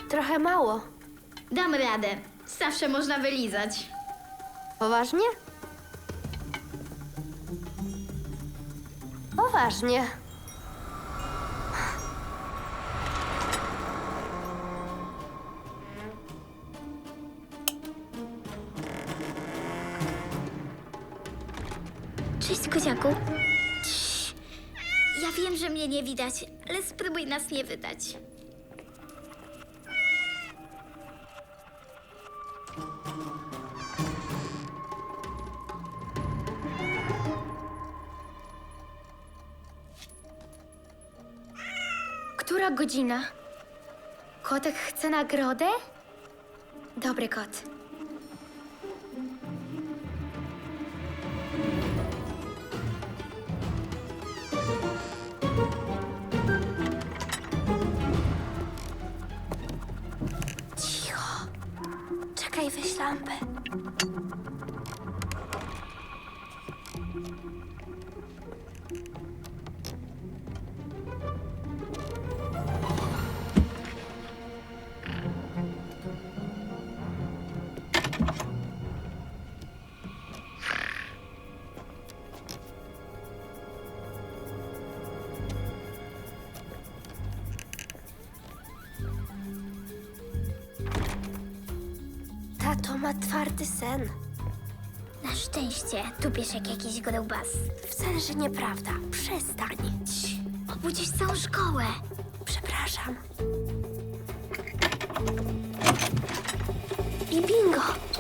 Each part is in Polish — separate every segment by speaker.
Speaker 1: Trochę mało.
Speaker 2: Dam radę. Zawsze można wylizać.
Speaker 1: Poważnie? Poważnie.
Speaker 2: Cześć, koziaku. Cii. Ja wiem, że mnie nie widać, ale spróbuj nas nie wydać. Która godzina? Kotek chce nagrodę? Dobry kot.
Speaker 1: Cicho. Czekaj, weź lampę. Tato ma twardy sen.
Speaker 2: Na szczęście, tu piesz jak jakiś grubas.
Speaker 1: Wcale, że nieprawda. Przestań. Cii.
Speaker 2: Obudzisz całą szkołę.
Speaker 1: Przepraszam. I bingo!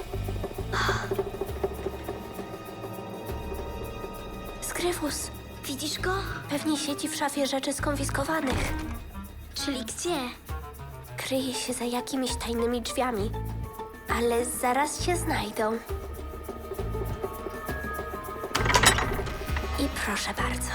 Speaker 1: Skryfus.
Speaker 2: Widzisz go?
Speaker 1: Pewnie siedzi w szafie rzeczy skonfiskowanych.
Speaker 2: Czyli gdzie?
Speaker 1: Kryje się za jakimiś tajnymi drzwiami. Ale zaraz się znajdą. I proszę bardzo.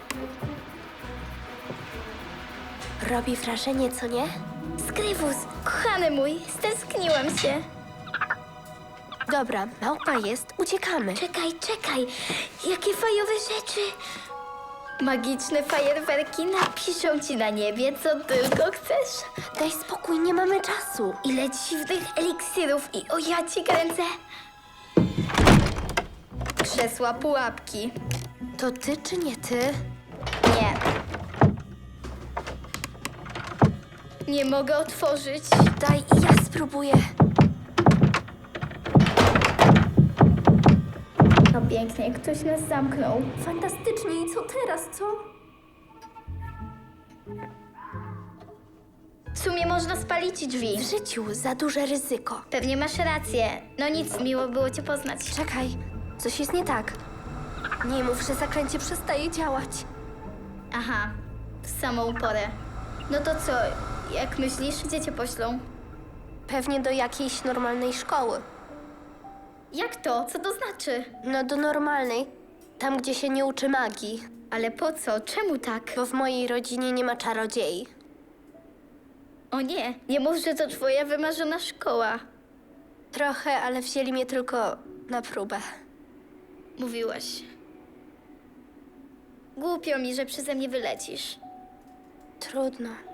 Speaker 1: Robi wrażenie, co nie?
Speaker 2: Skryfus, kochany mój, stęskniłam się.
Speaker 1: Dobra, małpa jest, uciekamy.
Speaker 2: Czekaj, jakie fajowe rzeczy. Magiczne fajerwerki napiszą ci na niebie, co tylko chcesz.
Speaker 1: Daj spokój, nie mamy czasu.
Speaker 2: Ile dziwnych eliksirów i o ja ci kręcę. Krzesła pułapki.
Speaker 1: To ty czy nie ty?
Speaker 2: Nie. Nie mogę otworzyć.
Speaker 1: Daj i ja spróbuję.
Speaker 2: No pięknie, ktoś nas zamknął.
Speaker 1: Fantastycznie, i co teraz, co?
Speaker 2: W sumie można spalić drzwi.
Speaker 1: W życiu za duże ryzyko.
Speaker 2: Pewnie masz rację. No nic, miło było cię poznać.
Speaker 1: Czekaj, coś jest nie tak. Nie mów, że zaklęcie przestaje działać.
Speaker 2: Aha, w samą porę. No to co, jak myślisz, gdzie cię poślą?
Speaker 1: Pewnie do jakiejś normalnej szkoły.
Speaker 2: Jak to? Co to znaczy?
Speaker 1: No do normalnej. Tam, gdzie się nie uczy magii.
Speaker 2: Ale po co? Czemu tak?
Speaker 1: Bo w mojej rodzinie nie ma czarodziei.
Speaker 2: O nie, nie mów, że to twoja wymarzona szkoła.
Speaker 1: Trochę, ale wzięli mnie tylko na próbę.
Speaker 2: Mówiłaś. Głupio mi, że przeze mnie wylecisz.
Speaker 1: Trudno.